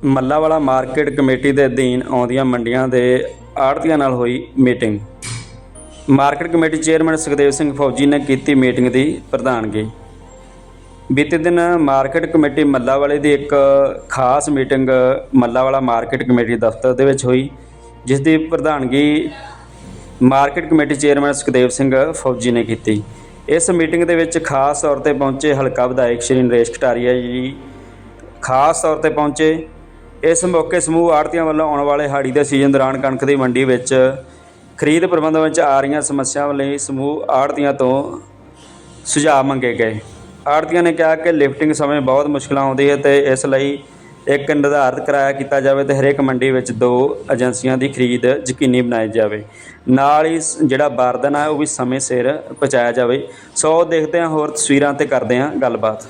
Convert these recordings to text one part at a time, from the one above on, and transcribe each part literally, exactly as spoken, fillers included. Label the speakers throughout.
Speaker 1: ਮੱਲਾਵਾਲਾ market committee ਦੇ ਅਧੀਨ ਆਉਂਦੀਆਂ ਮੰਡੀਆਂ ਦੇ ਆੜ੍ਹਤੀਆਂ ਨਾਲ ਹੋਈ meeting. Market committee chairman Sukhdev Singh Fauji ਨੇ ਕੀਤੀ ਮੀਟਿੰਗ ਦੀ ਪ੍ਰਧਾਨਗੀ। ਬੀਤੇ ਦਿਨ ਮਾਰਕੀਟ ਕਮੇਟੀ ਮੱਲਾਵਾਲੇ ਦੀ ਇੱਕ ਖਾਸ ਮੀਟਿੰਗ ਮੱਲਾਵਾਲਾ ਮਾਰਕੀਟ ਕਮੇਟੀ ਦਫ਼ਤਰ ਦੇ ਵਿੱਚ ਹੋਈ, ਜਿਸ ਦੀ ਪ੍ਰਧਾਨਗੀ market committee chairman Sukhdev Singh Fauji ਨੇ ਕੀਤੀ। ਇਸ ਮੀਟਿੰਗ ਦੇ ਵਿੱਚ ਖਾਸ ਤੌਰ 'ਤੇ ਪਹੁੰਚੇ ਹਲਕਾ ਵਿਧਾਇਕ ਸ਼੍ਰੀ ਨਰੇਸ਼ ਕਟਾਰੀਆ ਜੀ ਖਾਸ ਤੌਰ 'ਤੇ ਪਹੁੰਚੇ। ਇਸ ਮੌਕੇ ਸਮੂਹ ਆੜ੍ਹਤੀਆਂ ਵੱਲੋਂ ਆਉਣ ਵਾਲੇ ਹਾੜੀ ਦੇ ਸੀਜ਼ਨ ਦੌਰਾਨ ਕਣਕ ਦੀ ਮੰਡੀ ਵਿੱਚ ਖਰੀਦ ਪ੍ਰਬੰਧਾਂ ਵਿੱਚ ਆ ਰਹੀਆਂ ਸਮੱਸਿਆਵਾਂ ਲਈ ਸਮੂਹ ਆੜ੍ਹਤੀਆਂ ਤੋਂ ਸੁਝਾਅ ਮੰਗੇ ਗਏ। ਆੜ੍ਹਤੀਆਂ ਨੇ ਕਿਹਾ ਕਿ ਲਿਫਟਿੰਗ ਸਮੇਂ ਬਹੁਤ ਮੁਸ਼ਕਲਾਂ ਆਉਂਦੀ ਹੈ ਅਤੇ ਇਸ ਲਈ ਇੱਕ ਨਿਰਧਾਰਿਤ ਕਿਰਾਇਆ ਕੀਤਾ ਜਾਵੇ ਅਤੇ ਹਰੇਕ ਮੰਡੀ ਵਿੱਚ ਦੋ ਏਜੰਸੀਆਂ ਦੀ ਖਰੀਦ ਯਕੀਨੀ ਬਣਾਈ ਜਾਵੇ। ਨਾਲ ਹੀ ਜਿਹੜਾ ਬਾਰਦਾਨਾ ਹੈ ਉਹ ਵੀ ਸਮੇਂ ਸਿਰ ਪਹੁੰਚਾਇਆ ਜਾਵੇ। ਸੋ ਦੇਖਦੇ ਹਾਂ ਹੋਰ ਤਸਵੀਰਾਂ ਤੇ ਕਰਦੇ ਹਾਂ ਗੱਲਬਾਤ।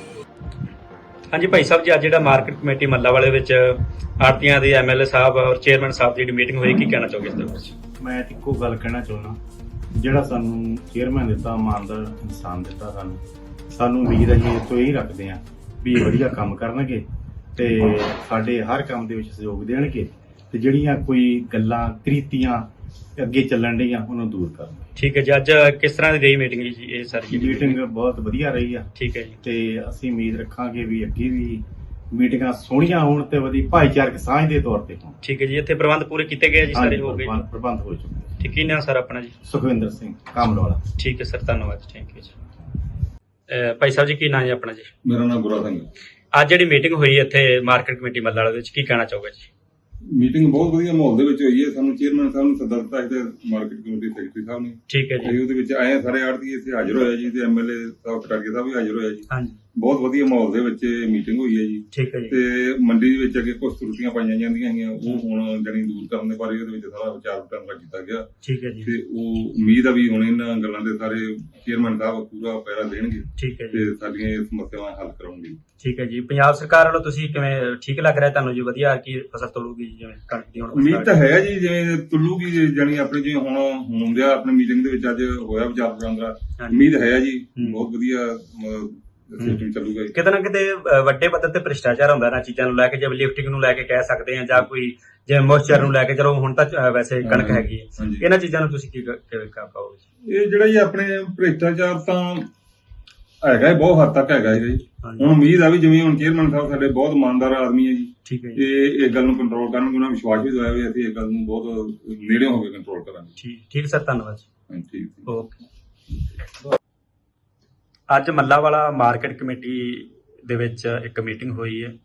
Speaker 1: ਹਾਂਜੀ ਭਾਈ ਸਾਹਿਬ ਜੀ, ਅੱਜ ਜਿਹੜਾ ਮਾਰਕੀਟ ਕਮੇਟੀ ਮੱਲਾਵਾਲੇ ਵਿੱਚ ਆੜ੍ਹਤੀਆਂ ਦੇ ਐਮ ਐਲ ਏ ਸਾਹਿਬ ਔਰ ਚੇਅਰਮੈਨ ਸਾਹਿਬ ਦੀ ਜਿਹੜੀ ਮੀਟਿੰਗ ਹੋਈ, ਕੀ ਕਹਿਣਾ ਚਾਹੋਗੇ ਇਸ ਦੇ ਵਿੱਚ?
Speaker 2: ਮੈਂ ਇੱਕੋ ਗੱਲ ਕਹਿਣਾ ਚਾਹੁੰਦਾ, ਜਿਹੜਾ ਸਾਨੂੰ ਚੇਅਰਮੈਨ ਦਿੱਤਾ, ਇਮਾਨਦਾਰ ਇਨਸਾਨ ਦਿੱਤਾ, ਸਾਨੂੰ ਸਾਨੂੰ ਉਮੀਦ ਹੈ ਜੀ ਇਸ ਤੋਂ ਇਹੀ ਰੱਖਦੇ ਹਾਂ ਵੀ ਵਧੀਆ ਕੰਮ ਕਰਨਗੇ ਤੇ ਸਾਡੇ ਹਰ ਕੰਮ ਦੇ ਵਿੱਚ ਸਹਿਯੋਗ ਦੇਣਗੇ ਤੇ ਜਿਹੜੀਆਂ ਕੋਈ ਗੱਲਾਂ ਕ੍ਰਿਤੀਆਂ ਅੱਗੇ ਚੱਲਣ ਡੀਆਂ ਉਹਨਾਂ ਨੂੰ ਦੂਰ ਕਰਨ।
Speaker 1: ਠੀਕ ਹੈ ਜੀ। ਅੱਜ ਕਿਸ ਤਰ੍ਹਾਂ ਦੀ ਰਹੀ ਮੀਟਿੰਗ ਜੀ? ਇਹ ਸਾਰੀ
Speaker 2: ਮੀਟਿੰਗ ਬਹੁਤ ਵਧੀਆ ਰਹੀ ਆ।
Speaker 1: ਠੀਕ ਹੈ ਜੀ।
Speaker 2: ਤੇ ਅਸੀਂ ਉਮੀਦ ਰੱਖਾਂਗੇ ਵੀ ਅੱਗੇ ਵੀ ਮੀਟਿੰਗਾਂ ਸੋਹਣੀਆਂ ਹੋਣ ਤੇ ਵਧੀਆ ਭਾਈਚਾਰਕ ਸਾਂਝ ਦੇ ਤੌਰ ਤੇ ਹੋਣ।
Speaker 1: ਠੀਕ ਹੈ ਜੀ। ਇੱਥੇ ਪ੍ਰਬੰਧ ਪੂਰੇ ਕੀਤੇ ਗਏ ਜੀ? ਸਾਰੇ ਹੋ ਗਏ?
Speaker 2: ਪ੍ਰਬੰਧ ਹੋ ਚੁੱਕੇ।
Speaker 1: ਠੀਕ ਹੈ ਨਾ ਸਰ? ਆਪਣਾ ਜੀ
Speaker 2: ਸੁਖਵਿੰਦਰ ਸਿੰਘ ਕਾਮਲਵਾਲਾ।
Speaker 1: ਠੀਕ ਹੈ ਸਰ, ਧੰਨਵਾਦ ਜੀ। ਥੈਂਕ ਯੂ ਜੀ। ਭਾਈ ਸਾਹਿਬ ਜੀ, ਕੀ ਨਾਂ ਜੀ ਆਪਣਾ ਜੀ?
Speaker 3: ਮੇਰਾ ਨਾਮ ਗੁਰਾ ਸਿੰਘ।
Speaker 1: ਅੱਜ ਜਿਹੜੀ ਮੀਟਿੰਗ ਹੋਈ ਇੱਥੇ ਮਾਰਕੀਟ ਕਮੇਟੀ ਮੱਲਾਵਾਲਾ ਵਿੱਚ, ਕੀ ਕਹਿਣਾ ਚਾਹੋਗੇ ਜੀ?
Speaker 3: ਮੀਟਿੰਗ ਬਹੁਤ ਵਧੀਆ ਮਾਹੌਲ ਦੇ ਵਿੱਚ ਹੋਈ ਹੈ। ਸਾਨੂੰ ਚੇਅਰਮੈਨ ਸਾਹਿਬ ਨੂੰ ਸੱਦਾ ਦਿੱਤਾ ਹੈ ਮਾਰਕੀਟ ਕਮੇਟੀ ਸੈਕਟਰੀ ਸਾਹਿਬ ਨੇ। ਠੀਕ ਹੈ ਜੀ। ਉਹਦੇ ਵਿੱਚ ਆਏ ਸਾਰੇ ਆੜ੍ਹਤੀ ਇੱਥੇ ਹਾਜ਼ਰ ਹੋਇਆ ਜੀ ਤੇ ਐਮ ਐਲ ਏ ਸਾਹਿਬ ਕਟਾਰੀਆ ਸਾਹਿਬ ਵੀ ਹਾਜ਼ਰ ਹੋਇਆ ਜੀ। ਹਾਂਜੀ, ਬਹੁਤ ਵਧੀਆ ਮਾਹੌਲ ਦੇ ਵਿੱਚ ਮੀਟਿੰਗ ਹੋਈ ਹੈ ਜੀ। ਠੀਕ ਹੈ ਜੀ। ਤੇ ਮੰਡੀ ਦੇ ਵਿੱਚ ਅੱਗੇ ਕੁਝ ਤਰੁੱਟੀਆਂ ਪਾਈਆਂ ਜਾਂਦੀਆਂ ਸੀਗੀਆਂ, ਉਹ ਹੁਣ ਜਾਣੀ ਦੂਰ ਕਰਨ ਦੇ ਬਾਰੇ ਉਹਦੇ ਵਿੱਚ ਸਾਰਾ ਵਿਚਾਰ ਵਟਾਂਦਰਾ ਕੀਤਾ ਗਿਆ। ਠੀਕ ਹੈ ਜੀ। ਤੇ ਉਹ ਉਮੀਦ ਆ ਵੀ ਹੁਣ ਇਹਨਾਂ ਗੱਲਾਂ ਦੇ ਸਾਰੇ ਚੇਅਰਮੈਨ ਸਾਹਿਬ ਪੂਰਾ ਪੈਰਾ ਦੇਣਗੇ। ਠੀਕ ਹੈ ਜੀ। ਤੇ ਸਾਡੀਆਂ ਇਹ ਸਮੱਸਿਆਵਾਂ ਹੱਲ ਕਰਾਉਣਗੇ। ਠੀਕ ਹੈ ਜੀ। ਪੰਜਾਬ ਸਰਕਾਰ ਵੱਲੋਂ ਤੁਸੀਂ ਕਿਵੇਂ, ਠੀਕ ਲੱਗ ਰਿਹਾ ਤੁਹਾਨੂੰ ਜੀ? ਵਧੀਆ ਕੀ ਫਸਲ ਤੋਲੂਗੀ ਜਿਵੇਂ ਕਣਕ ਦੀ? ਹੁਣ ਉਮੀਦ ਤਾਂ ਹੈ ਜੀ, ਜਿਵੇਂ ਤੁਲੂਗੀ ਜਾਣੀ ਆਪਣੀ ਜਿਵੇਂ ਹੁਣ ਹੁੰਦੇ ਆ ਆਪਣੀ ਮੀਟਿੰਗ ਦੇ ਵਿੱਚ ਅੱਜ ਹੋਇਆ ਵਿਚਾਰ ਵਟਾਂਦਰਾ, ਉਮੀਦ ਹੈ ਜੀ ਬਹੁਤ ਵਧੀਆ ਸਿਸਟਮ ਚੱਲੂਗਾ।
Speaker 1: ਕਿਤੇ ਨਾ ਕਿਤੇ ਵੱਡੇ ਪੱਧਰ ਤੇ ਭ੍ਰਿਸ਼ਟਾਚਾਰ ਹੁੰਦਾ ਇਹਨਾਂ ਚੀਜ਼ਾਂ ਨੂੰ ਲੈ ਕੇ, ਜਿਵੇਂ ਲਿਫਟਿੰਗ ਨੂੰ ਲੈ ਕੇ ਕਹਿ ਸਕਦੇ ਹਾਂ, ਜਾਂ ਕੋਈ ਜਿਵੇਂ ਮੋਇਸਚਰ ਨੂੰ ਲੈ ਕੇ। ਚਲੋ ਹੁਣ ਤਾਂ ਵੈਸੇ ਕਣਕ ਹੈਗੀ ਹੈ, ਇਹਨਾਂ ਚੀਜ਼ਾਂ ਨੂੰ ਤੁਸੀਂ ਕੀ ਕਰ ਪਾਓਗੇ?
Speaker 3: ਇਹ ਜਿਹੜਾ ਜੀ ਆਪਣੇ ਭ੍ਰਿਸ਼ਟਾਚਾਰ ਤਾਂ ਹੈਗਾ ਹੀ, ਬਹੁਤ ਹੱਦ ਤੱਕ ਹੈਗਾ ਜੀ। ਹੁਣ ਉਮੀਦ ਆ ਵੀ ਜਿਵੇਂ ਹੁਣ ਚੇਅਰਮੈਨ ਸਾਹਿਬ ਸਾਡੇ ਬਹੁਤ ਇਮਾਨਦਾਰ ਆਦਮੀ ਹੈ ਜੀ। ਠੀਕ ਹੈ ਜੀ। ਇਹ ਇਸ ਗੱਲ ਨੂੰ ਕੰਟਰੋਲ ਕਰਨਗੇ, ਉਹਨਾਂ ਵਿਸ਼ਵਾਸ ਵੀ ਦਵਾਇਆ ਵੀ ਅਸੀਂ ਇਸ ਗੱਲ ਨੂੰ ਬਹੁਤ ਨੇੜਿਓਂ ਹੋ ਕੇ ਕੰਟਰੋਲ ਕਰਾਂਗੇ। ਠੀਕ ਠੀਕ ਸਰ, ਧੰਨਵਾਦ ਜੀ। ਠੀਕ ਓਕੇ। ਅੱਜ ਮੱਲਾਵਾਲਾ ਮਾਰਕੀਟ ਕਮੇਟੀ ਦੇ ਵਿੱਚ ਇੱਕ ਮੀਟਿੰਗ ਹੋਈ ਹੈ।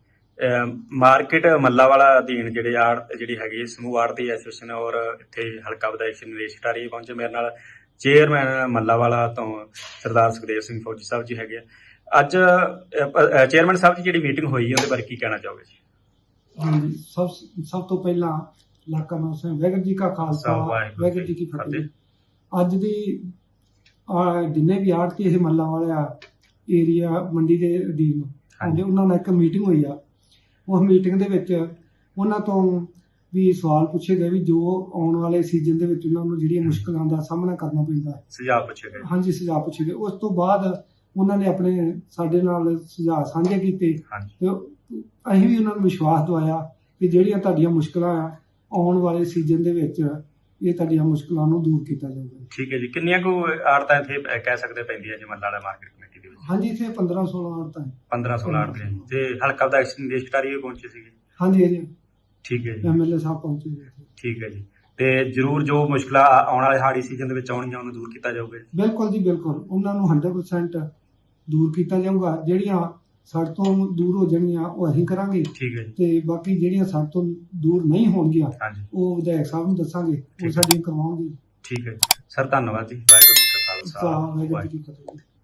Speaker 3: ਮਾਰਕੀਟ ਮੱਲਾਵਾਲਾ ਅਧੀਨ ਜਿਹੜੇ ਆੜ ਜਿਹੜੀ ਹੈਗੀ ਸਮੂਹ ਆੜ੍ਹਤੀ ਐਸੋਸੀਏਸ਼ਨ ਔਰ ਇੱਥੇ ਹਲਕਾ ਵਿਧਾਇਕ ਸ਼੍ਰੀ ਨਰੇਸ਼ ਕਟਾਰੀਆ ਪਹੁੰਚੇ। ਮੇਰੇ ਨਾਲ ਚੇਅਰਮੈਨ ਮੱਲਾਵਾਲਾ ਤੋਂ ਸਰਦਾਰ ਸੁਖਦੇਵ ਸਿੰਘ ਫੌਜੀ ਸਾਹਿਬ ਜੀ ਹੈਗੇ। ਅੱਜ ਚੇਅਰਮੈਨ ਸਾਹਿਬ ਜੀ ਜਿਹੜੀ ਮੀਟਿੰਗ ਹੋਈ ਹੈ ਉਹਦੇ ਬਾਰੇ ਕੀ ਕਹਿਣਾ ਚਾਹੋਗੇ ਜੀ?
Speaker 4: ਹਾਂਜੀ, ਸਭ ਸਭ ਤੋਂ ਪਹਿਲਾਂ ਇਲਾਕਾ ਨਿਵਾਸੀਆਂ ਵਾਹਿਗੁਰੂ ਜੀ ਕਾ ਖਾਲਸਾ ਵਾਹਿਗੁਰੂ ਜੀ ਕੀ ਫਤਿਹ। ਅੱਜ ਦੀ ਜਿੰਨੇ ਵੀ ਆੜ੍ਹਤੀ ਇਹ ਮੱਲਾਵਾਲਾ ਏਰੀਆ ਮੰਡੀ ਦੇ ਅਧੀਨ ਆਉਂਦੇ, ਉਹਨਾਂ ਨਾਲ ਇੱਕ ਮੀਟਿੰਗ ਹੋਈ ਆ। ਉਸ ਮੀਟਿੰਗ ਦੇ ਵਿੱਚ ਉਹਨਾਂ ਤੋਂ ਵੀ ਸਵਾਲ ਪੁੱਛੇ ਗਏ ਵੀ ਜੋ ਆਉਣ ਵਾਲੇ ਸੀਜ਼ਨ ਦੇ ਵਿੱਚ ਉਹਨਾਂ ਨੂੰ ਜਿਹੜੀਆਂ ਮੁਸ਼ਕਲਾਂ ਦਾ ਸਾਹਮਣਾ ਕਰਨਾ ਪੈਂਦਾ ਹੈ,
Speaker 1: ਸੁਝਾਅ ਪੁੱਛੇ ਗਏ।
Speaker 4: ਹਾਂਜੀ, ਸੁਝਾਅ ਪੁੱਛੇ ਗਏ। ਉਸ ਤੋਂ ਬਾਅਦ ਉਹਨਾਂ ਨੇ ਆਪਣੇ ਸਾਡੇ ਨਾਲ ਸੁਝਾਅ ਸਾਂਝੇ ਕੀਤੇ ਤੇ ਅਸੀਂ ਵੀ ਉਹਨਾਂ ਨੂੰ ਵਿਸ਼ਵਾਸ ਦਵਾਇਆ ਕਿ ਜਿਹੜੀਆਂ ਤੁਹਾਡੀਆਂ ਮੁਸ਼ਕਲਾਂ ਆ ਆਉਣ ਵਾਲੇ ਸੀਜ਼ਨ ਦੇ ਵਿੱਚ ਇਹ ਤੁਹਾਡੀਆਂ ਮੁਸ਼ਕਲਾਂ ਨੂੰ ਦੂਰ ਕੀਤਾ ਜਾਊਗਾ। ਠੀਕ ਹੈ ਜੀ। ਕਿੰਨੀਆਂ ਕੁ ਆੜ੍ਹਤਾਂ ਇੱਥੇ ਕਹਿ ਸਕਦੇ ਪੈਂਦੀਆਂ ਜੀ ਮੱਲਾਵਾਲਾ ਮਾਰਕੀਟ ਕਮੇਟੀ ਦੇ ਵਿੱਚ? ਹਾਂਜੀ, ਇੱਥੇ ਪੰਦਰਾਂ ਸੋਲਾਂ ਆੜ੍ਹਤਾਂ ਪੰਦਰਾਂ ਸੋਲਾਂ ਆੜ੍ਹਤਾਂ ਤੇ ਹਲਕਾ ਵਿਧਾਇਕ ਨਰੇਸ਼ ਕਟਾਰੀਆ ਵੀ ਪਹੁੰਚੇ ਸੀਗੇ? ਹਾਂਜੀ ਹਾਂਜੀ। ਠੀਕ ਹੈ ਜੀ। ਐਮ ਐਲ ਏ ਸਾਹਿਬ ਪਹੁੰਚੇ ਜੀ। ਠੀਕ ਹੈ ਜੀ। ਤੇ ਜ਼ਰੂਰ ਜੋ ਮੁਸ਼ਕਲਾਂ ਆਉਣ ਵਾਲੇ ਹਾੜੀ ਸੀਜ਼ਨ ਦੇ ਵਿੱਚ ਆਉਣਗੀਆਂ ਉਹਨੂੰ ਦੂਰ ਕੀਤਾ ਜਾਊਗਾ? ਬਿਲਕੁਲ ਜੀ, ਬਿਲਕੁਲ। ਉਹਨਾਂ ਨੂੰ ਹੰਡਰਡ ਪਰਸੈਂਟ ਦੂਰ ਕੀਤਾ ਜਾਊਗਾ। ਜਿਹੜੀਆਂ ਸਾਡੇ ਤੋਂ ਦੂਰ ਹੋ ਜਾਣਗੀਆਂ ਉਹ ਅਸੀਂ ਕਰਾਂਗੇ। ਠੀਕ ਹੈ ਜੀ। ਤੇ ਬਾਕੀ ਜਿਹੜੀਆਂ ਸਾਡੇ ਤੋਂ ਦੂਰ ਨਹੀਂ ਹੋਣਗੀਆਂ ਉਹ ਵਿਧਾਇਕ ਸਾਹਿਬ ਨੂੰ ਦੱਸਾਂਗੇ, ਉਹ ਸਾਡੀਆਂ ਕਰਵਾਉਣਗੇ। ਠੀਕ ਹੈ ਸਰ, ਧੰਨਵਾਦ ਜੀ। ਵਾਹਿਗੁਰੂ ਜੀ ਕਾ ਖਾਲਸਾ ਵਾਹਿਗੁਰੂ ਜੀ ਕੀ ਫਤਿਹ।